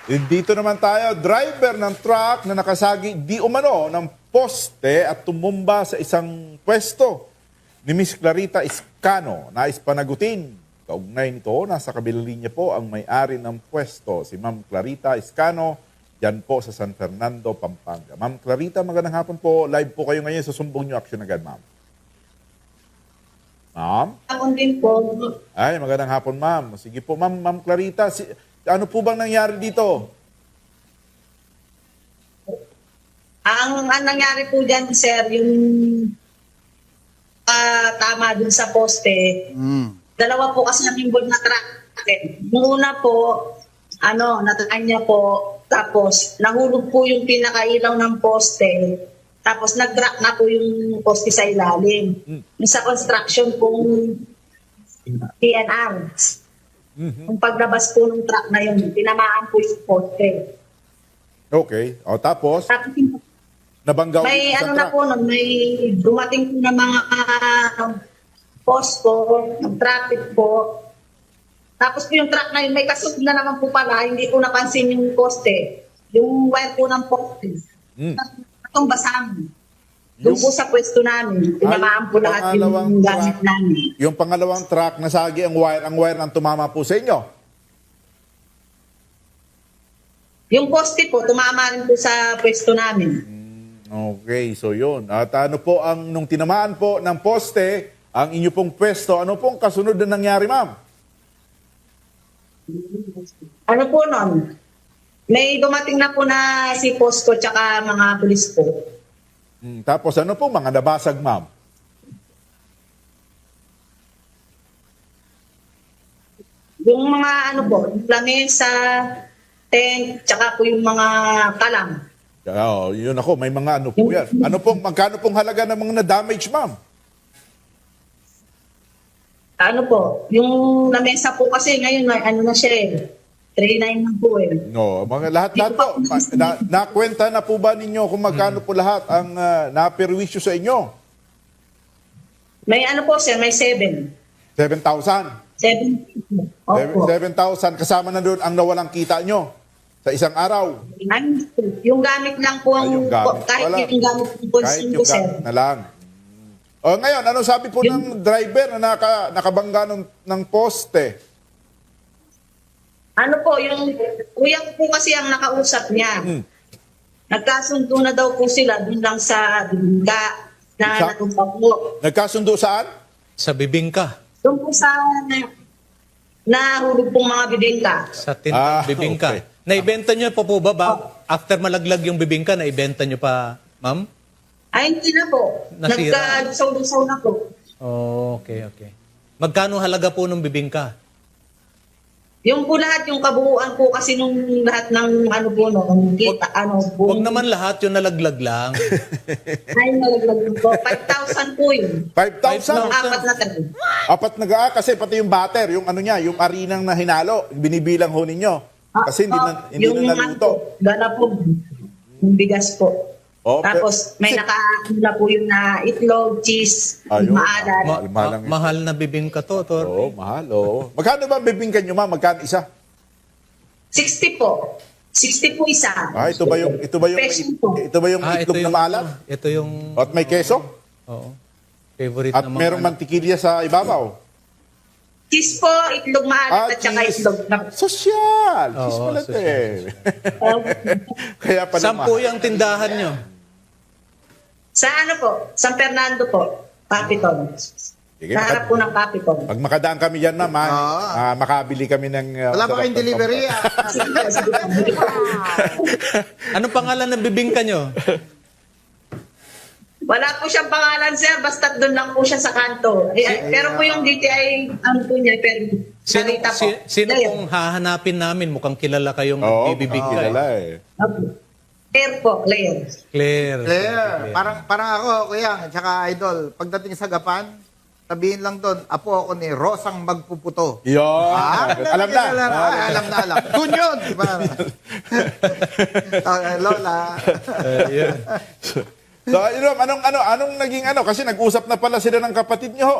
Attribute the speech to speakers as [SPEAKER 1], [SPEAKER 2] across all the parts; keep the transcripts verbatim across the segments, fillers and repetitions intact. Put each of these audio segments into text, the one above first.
[SPEAKER 1] Dito naman tayo, driver ng truck na nakasagi di umano ng poste at tumumba sa isang pwesto ni Miss Clarita Iscano. Nais panagutin. Kaugnay nito, nasa kabilang linya po ang may-ari ng pwesto, si Ma'am Clarita Iscano, yan po sa San Fernando, Pampanga. Ma'am Clarita, magandang hapon po. Live po kayo ngayon sa Sumbong New Action agad, ma'am. Ma'am?
[SPEAKER 2] Hapon din po.
[SPEAKER 1] Ay, magandang hapon, ma'am. Sige po, ma'am, Ma'am Clarita, si, ano po bang nangyari dito?
[SPEAKER 2] Ang, ang nangyari po dyan, sir, yung ah, tama dun sa poste,
[SPEAKER 3] Mm.
[SPEAKER 2] dalawa po kasi ang involved na truck. Yung una po, ano, nataan niya po, tapos nahulog po yung pinakailaw ng poste, tapos nag-drop na po yung poste sa ilalim.
[SPEAKER 1] Mm.
[SPEAKER 2] Yung sa construction pong P N R.
[SPEAKER 1] Mhm.
[SPEAKER 2] Yung paglabas po ng truck na yun, tinamaan po yung poste.
[SPEAKER 1] Okay. O, tapos,
[SPEAKER 2] Tapos yung
[SPEAKER 1] nabangga ulit
[SPEAKER 2] may
[SPEAKER 1] yung
[SPEAKER 2] ano
[SPEAKER 1] isang
[SPEAKER 2] na
[SPEAKER 1] truck.
[SPEAKER 2] po, nun, may dumating po na mga uh, posto, ng traffic po. Tapos po yung truck na yun, may kasunod na naman po pala, hindi po napansin yung poste. Yung wire po ng poste.
[SPEAKER 1] Mm.
[SPEAKER 2] Itong basang. Doon po sa pwesto namin, tinamaan po lahat
[SPEAKER 1] pangalawang
[SPEAKER 2] yung gamit
[SPEAKER 1] truck.
[SPEAKER 2] namin.
[SPEAKER 1] Yung pangalawang truck, nasagi ang wire, ang wire ang tumama po sa inyo.
[SPEAKER 2] Yung poste po, tumama rin po sa pwesto namin.
[SPEAKER 1] Okay, so yun. At ano po ang, nung tinamaan po ng poste, ang inyo pong pwesto, ano pong kasunod na nangyari, ma'am?
[SPEAKER 2] Ano po nun? May dumating na po na si Posto tsaka mga pulis po.
[SPEAKER 1] Hmm, tapos ano po, mga nabasag, ma'am?
[SPEAKER 2] Yung mga ano po, lamesa, tent, tsaka po yung mga kalam.
[SPEAKER 1] Oh, yun ako, may mga ano po yan. Ano pong, magkano pong halaga ng mga na-damage, ma'am?
[SPEAKER 2] Ano po, yung lamesa po kasi ngayon, may ano na siya eh. three nine na po eh.
[SPEAKER 1] No, mga lahat-lahat po. Na, nakwenta na po ba ninyo kung magkano po lahat ang uh, naperwisyo sa inyo?
[SPEAKER 2] May ano po sir, may seven.
[SPEAKER 1] seven thousand.
[SPEAKER 2] seven. Opo.
[SPEAKER 1] seven thousand kasama na doon ang nawalang kita nyo sa isang araw.
[SPEAKER 2] Ano, yung gamit lang po,
[SPEAKER 1] Ay,
[SPEAKER 2] ang,
[SPEAKER 1] yung gamit.
[SPEAKER 2] kahit
[SPEAKER 1] Wala.
[SPEAKER 2] yung gamit po,
[SPEAKER 1] Kahit
[SPEAKER 2] consume
[SPEAKER 1] yung
[SPEAKER 2] ko sir.
[SPEAKER 1] gamit na lang. O ngayon, ano sabi po ng driver na naka, nakabangga ng, ng poste?
[SPEAKER 2] Ano po, yung kuya ko po kasi ang nakausap niya.
[SPEAKER 1] Hmm.
[SPEAKER 2] Nagkasundo na daw po sila dun lang sa bingga na
[SPEAKER 1] Sa-
[SPEAKER 2] natumpa po.
[SPEAKER 1] Nagkasundo saan?
[SPEAKER 4] Sa bibingka.
[SPEAKER 2] Doon po sa nahulog pong mga bibingka.
[SPEAKER 4] Sa tintang
[SPEAKER 1] Ah,
[SPEAKER 4] bibingka.
[SPEAKER 1] okay.
[SPEAKER 4] Naibenta nyo pa po ba? ba? After malaglag yung bibingka, naibenta nyo pa, ma'am?
[SPEAKER 2] Ay, hindi na po.
[SPEAKER 4] Nasira.
[SPEAKER 2] Nagkasaw-saw na po.
[SPEAKER 4] Oh, okay, okay. Magkano halaga po ng bibingka?
[SPEAKER 2] Yung po lahat, yung kabuuan po kasi nung lahat ng ano po, no, ng kita, ano po.
[SPEAKER 4] Huwag naman lahat yung nalaglag lang.
[SPEAKER 2] Ay, nalaglag po. five thousand po yun.
[SPEAKER 1] five thousand?
[SPEAKER 2] Nung apat na tayo.
[SPEAKER 1] Apat na ga, kasi pati yung batter, yung ano niya, yung arinang na hinalo, binibilang ho ninyo. Kasi hindi na, hindi
[SPEAKER 2] yung
[SPEAKER 1] na
[SPEAKER 2] ano
[SPEAKER 1] naluto.
[SPEAKER 2] po, gana po, yung bigas po.
[SPEAKER 1] Oh,
[SPEAKER 2] Tapos may
[SPEAKER 1] kasi-
[SPEAKER 2] naka po yung na itlog, cheese,
[SPEAKER 1] Ayun.
[SPEAKER 2] maalat.
[SPEAKER 4] Ma-
[SPEAKER 1] Mahal lang
[SPEAKER 4] ma-
[SPEAKER 1] yun.
[SPEAKER 4] mahal na bibingka to, Tor.
[SPEAKER 1] Oo, mahal, oo. Magkano ba ang bibingkan nyo, ma'am? Magkano isa?
[SPEAKER 2] sixty po. sixty po isa.
[SPEAKER 1] Ah, ito ba yung ito ba yung
[SPEAKER 2] Peso po.
[SPEAKER 1] ito ba yung
[SPEAKER 4] Ah,
[SPEAKER 1] itlog na maalat?
[SPEAKER 4] Ito yung,
[SPEAKER 1] At may keso?
[SPEAKER 4] oo, favorite
[SPEAKER 1] At
[SPEAKER 4] na mga
[SPEAKER 1] merong
[SPEAKER 4] ano.
[SPEAKER 1] mantikilya sa ibabaw?
[SPEAKER 2] Cheese po, itlog maalat at saka
[SPEAKER 1] cheese.
[SPEAKER 2] itlog. na-
[SPEAKER 1] Sosyal! Cheese
[SPEAKER 4] Oo,
[SPEAKER 1] pala ito eh.
[SPEAKER 2] Oh.
[SPEAKER 1] Kaya pala
[SPEAKER 4] Sampu
[SPEAKER 1] mahal.
[SPEAKER 4] yung tindahan nyo.
[SPEAKER 2] Sa ano po? San Fernando po. Papiton.
[SPEAKER 1] Sige,
[SPEAKER 2] Sa harap po ng Papiton.
[SPEAKER 1] Pag makadaan kami dyan, ma'am, ha,
[SPEAKER 3] Oo.
[SPEAKER 1] ah, makabili kami ng... uh,
[SPEAKER 3] Wala ba
[SPEAKER 1] sarap
[SPEAKER 3] kayong
[SPEAKER 1] ng
[SPEAKER 3] delivery?
[SPEAKER 1] pampang.
[SPEAKER 3] ah?
[SPEAKER 4] Anong pangalan ng bibingka nyo?
[SPEAKER 2] Wala po siyang pangalan, sir. Basta doon lang po siya sa kanto. Eh, pero po yung D T I, ano po niya, pero
[SPEAKER 4] Sino,
[SPEAKER 2] Clarita po.
[SPEAKER 4] si- sino
[SPEAKER 2] Layer.
[SPEAKER 4] pong hahanapin namin? Mukhang kilala kayong
[SPEAKER 1] Oo,
[SPEAKER 4] bibingka.
[SPEAKER 1] kilala
[SPEAKER 4] eh.
[SPEAKER 1] eh.
[SPEAKER 2] Opo. Claire po, Claire.
[SPEAKER 4] Claire.
[SPEAKER 3] Claire, parang, parang ako, kuya, tsaka idol, pagdating sa Gapan, sabihin lang doon, apo ako ni Rosang Magpuputo.
[SPEAKER 1] Yun.
[SPEAKER 3] Ah,
[SPEAKER 1] alam na.
[SPEAKER 3] Alam na,
[SPEAKER 1] Ah,
[SPEAKER 3] ah, alam na, alam. Doon yun, di ba? Ah, Lola.
[SPEAKER 4] Eh, yun.
[SPEAKER 1] So, yun, anong, ano, anong naging ano? Kasi nag-usap na pala sila ng kapatid nyo. ho.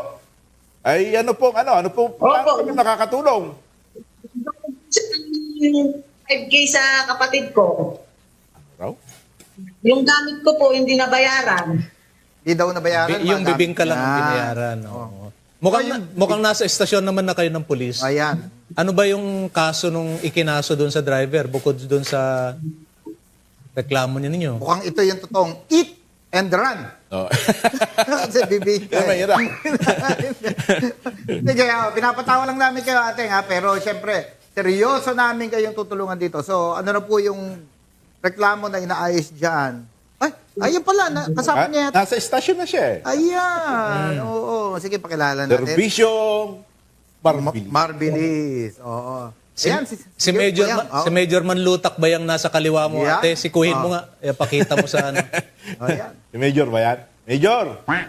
[SPEAKER 1] Ay, ano pong, ano, ano pong, paano kami nakakatulong?
[SPEAKER 2] five K sa kapatid ko.
[SPEAKER 1] Raw?
[SPEAKER 2] Yung gamit ko po, hindi nabayaran.
[SPEAKER 3] Di daw nabayaran.
[SPEAKER 4] Bi- yung
[SPEAKER 3] mga
[SPEAKER 4] bibingka lang ang
[SPEAKER 3] gamit.
[SPEAKER 4] binayaran. Oo. Mukhang, na- mukhang nasa estasyon naman na kayo ng pulis.
[SPEAKER 3] Ayan.
[SPEAKER 4] Ano ba yung kaso nung ikinaso doon sa driver bukod doon sa reklamo niya ninyo?
[SPEAKER 3] Mukhang ito yung totoong eat and run.
[SPEAKER 1] Oh.
[SPEAKER 3] Kasi bibingka.
[SPEAKER 1] Pero mahirap.
[SPEAKER 3] Sige, oh, pinapatawa lang namin kayo ate ha, pero syempre, seryoso namin kayong tutulungan dito. So, ano na po yung reklamo na inaayos dyan? Ay, ayun pala, na, kasama
[SPEAKER 1] Ah,
[SPEAKER 3] niya.
[SPEAKER 1] nasa istasyon na siya eh.
[SPEAKER 3] Ayan, oo. Sige, pakilala natin.
[SPEAKER 1] Servisyong Marbilis.
[SPEAKER 3] Marbilis, oo.
[SPEAKER 4] Si,
[SPEAKER 3] Ayan,
[SPEAKER 4] si,
[SPEAKER 3] sige,
[SPEAKER 4] Major,
[SPEAKER 3] ayan,
[SPEAKER 4] Ma-
[SPEAKER 3] oh.
[SPEAKER 4] si Major Manlutak ba yung nasa kaliwa mo,
[SPEAKER 3] Yeah.
[SPEAKER 4] ate? Sikuhin mo
[SPEAKER 3] Oh.
[SPEAKER 4] nga. Eh, pakita mo sa ano.
[SPEAKER 3] Oh, ayan.
[SPEAKER 1] Si Major ba yan? Major!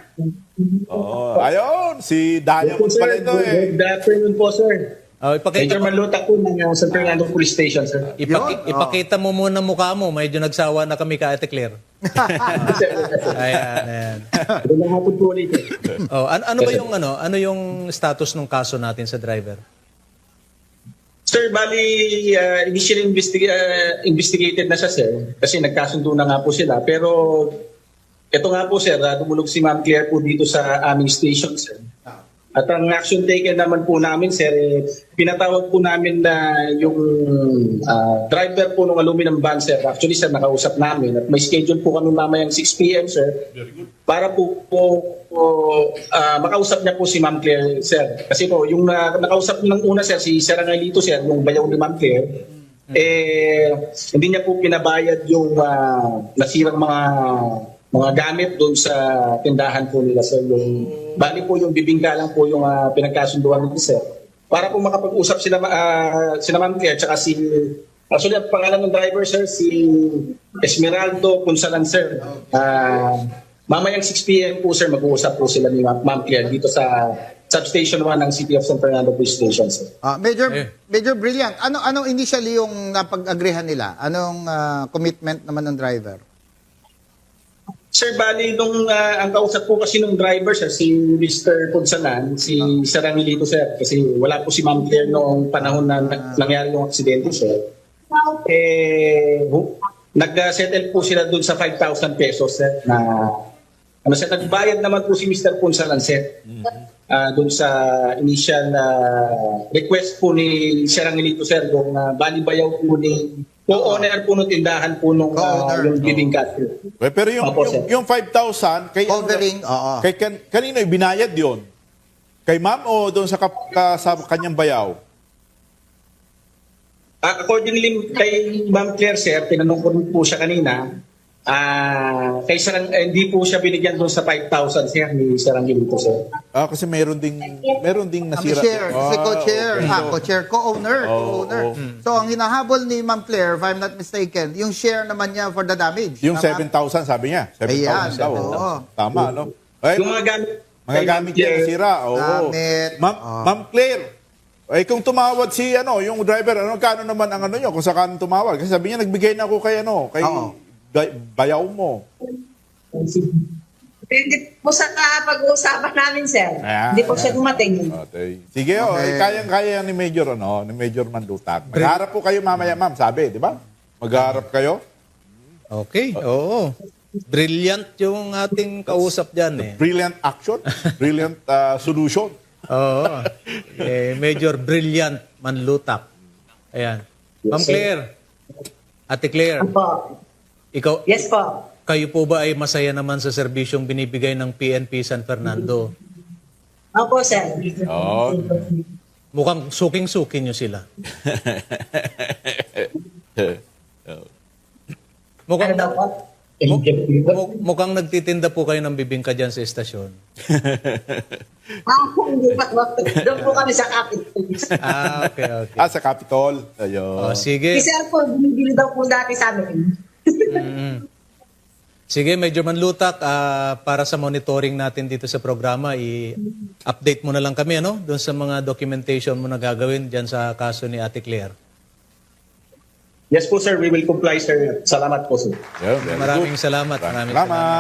[SPEAKER 1] Oo. Ayun, si Daniel
[SPEAKER 5] Po,
[SPEAKER 1] pala
[SPEAKER 5] sir.
[SPEAKER 1] ito eh.
[SPEAKER 5] Good afternoon po, sir.
[SPEAKER 4] Oh, ipakita
[SPEAKER 5] Major
[SPEAKER 4] mo,
[SPEAKER 5] Manlutak po ng uh, San Fernando Police Station, sir.
[SPEAKER 4] ipaki-
[SPEAKER 3] Yun, oh.
[SPEAKER 4] ipakita mo muna mukha mo. Medyo nagsawa na kami ka, Ate Claire.
[SPEAKER 5] Sir,
[SPEAKER 4] Ayan, ayan.
[SPEAKER 5] Magandang hapon po ulit. eh.
[SPEAKER 4] Oh, ano, ano ba yung ano? Ano yung status ng kaso natin sa driver?
[SPEAKER 5] Sir, bali, uh, initially investi- uh, investigated na siya, sir. Kasi nagkasundo na nga po sila. Pero, ito nga po, sir, uh, tumulog si Ma'am Claire po dito sa aming station, sir. At ang action taken naman po namin, sir, eh, pinatawag po namin na yung ah, driver po ng aluminum van, sir. Actually, sir, nakausap namin. At may schedule po kami mamayang six p.m., sir. Para po, po, po ah, makausap niya po si Ma'am Claire, sir. Kasi po, yung na, nakausap ng una, sir, si Sir Angelito, sir, yung bayaw ni Ma'am Claire, eh, hindi niya po pinabayad yung ah, nasirang mga mga gamit doon sa tindahan po nila, sir. Yung, bali po yung bibingka lang po yung uh, pinagkasunduan nila, sir. Para po makapag-usap sila, uh, sila Ma'am Claire, tsaka si, actually, ang pangalan ng driver, sir, si Esmeraldo Punsalan, sir. Uh, mamayang six p.m. po, sir, mag-uusap po sila ni Ma'am Ma'am Claire dito sa Substation one ng City of San Fernando Police Station, sir.
[SPEAKER 3] Ah, Major
[SPEAKER 4] Eh.
[SPEAKER 3] Major Brilliant, ano ano initially yung napag-agreehan nila? Anong ah, commitment naman ng driver?
[SPEAKER 5] Sir, bali, nung ah, ang kausap po kasi nung driver, sir, si Mister Punsalan, si Sir Angelito, sir, kasi wala po si Ma'am Claire noong panahon na na- nangyari yung aksidente, sir. Eh, hu- nag-settle po sila dun sa five thousand pesos, sir, na ano, sir, nagbayad naman po si Mister Punsalan, sir, ah, dun sa initial na request po ni Sir Angelito, sir, kung uh, bali bayaw po ni co-owner po ng tindahan po nung ah,
[SPEAKER 3] Co-owner.
[SPEAKER 5] yung bibingka, sir.
[SPEAKER 1] Eh, Pero yung,
[SPEAKER 5] Opo,
[SPEAKER 1] yung,
[SPEAKER 5] sir.
[SPEAKER 1] yung five thousand, kay,
[SPEAKER 3] Covering, oo.
[SPEAKER 1] kay kan, kanino ibinayad yon? Kay ma'am o doon sa, kap, ka, sa kanyang bayaw?
[SPEAKER 5] Ah, accordingly kay Ma'am Claire, sir, tinanong ko rin po siya kanina, ah kay Sir, eh, hindi po siya binigyan doon sa five thousand, sir, ni Sir Angelito, sir.
[SPEAKER 1] Ah, kasi meron ding meron ding
[SPEAKER 3] Kami
[SPEAKER 1] nasira.
[SPEAKER 3] share, si
[SPEAKER 1] Ah,
[SPEAKER 3] co-chair,
[SPEAKER 1] okay.
[SPEAKER 3] ah, co-chair, co-owner,
[SPEAKER 1] Oo,
[SPEAKER 3] co-owner.
[SPEAKER 1] oo.
[SPEAKER 3] So, ang hinahabol ni Ma'am Claire, if I'm not mistaken, yung share naman niya for the damage.
[SPEAKER 1] Yung
[SPEAKER 3] Tama?
[SPEAKER 1] seven thousand sabi niya. seven thousand
[SPEAKER 3] Ayan,
[SPEAKER 1] daw.
[SPEAKER 3] oo.
[SPEAKER 1] Tama, no? Eh,
[SPEAKER 5] Yung mga gamit,
[SPEAKER 1] mga gamit niya nasira. Oo.
[SPEAKER 3] Gamit.
[SPEAKER 1] Ma'am,
[SPEAKER 3] Oo.
[SPEAKER 1] Ma'am Claire, ay kung tumawad si ano, yung driver, ano kano naman ang ano niyo kung saan tumawad? Kasi sabi niya nagbigay na ako kay ano, kay
[SPEAKER 3] Oo.
[SPEAKER 1] bay- bayaw mo.
[SPEAKER 2] Depende po sa ah, pag-uusapan namin, sir.
[SPEAKER 1] Ayan,
[SPEAKER 2] Hindi po siya
[SPEAKER 1] ayan.
[SPEAKER 2] dumating.
[SPEAKER 1] Okay. Sige, oh,
[SPEAKER 3] Okay.
[SPEAKER 1] eh, kayang-kaya ni Major ano, ni Major Mandutak. Magharap po kayo mamaya, ma'am, sabi, di ba? Magharap kayo.
[SPEAKER 4] Okay, oo. Brilliant yung ating kausap dyan eh.
[SPEAKER 1] Brilliant action, brilliant uh, solution.
[SPEAKER 4] Oo. Eh, Major Brilliant Manlutak. Ayan. Ma'am Claire. Ate Claire,
[SPEAKER 2] Po.
[SPEAKER 4] ikaw,
[SPEAKER 2] Yes po.
[SPEAKER 4] kayo po ba ay masaya naman sa serbisyong binibigay ng P N P San Fernando?
[SPEAKER 2] Opo, sir.
[SPEAKER 1] Oh.
[SPEAKER 4] Mukhang suking-suki nyo sila.
[SPEAKER 2] Ano
[SPEAKER 4] Mukhang,
[SPEAKER 2] daw po?
[SPEAKER 4] mu- mu- mukhang nagtitinda po kayo ng bibingka dyan sa estasyon.
[SPEAKER 2] Ah, hindi pa. Doon po kami sa Capitol.
[SPEAKER 4] Ah, okay, okay.
[SPEAKER 1] Ah, sa Capitol. Ayun.
[SPEAKER 4] Oh, sige.
[SPEAKER 2] Si sir po, binibili daw po dati sa amin.
[SPEAKER 4] Mm. Sige, Major Manlutak, ah, para sa monitoring natin dito sa programa, i-update mo na lang kami, ano? Doon sa mga documentation mo na gagawin dyan sa kaso ni Ate Claire.
[SPEAKER 5] Yes po, sir, we will comply, sir. Salamat po, sir.
[SPEAKER 1] Yeah, very
[SPEAKER 4] Maraming
[SPEAKER 1] good.
[SPEAKER 4] salamat. Maraming
[SPEAKER 1] Salamat.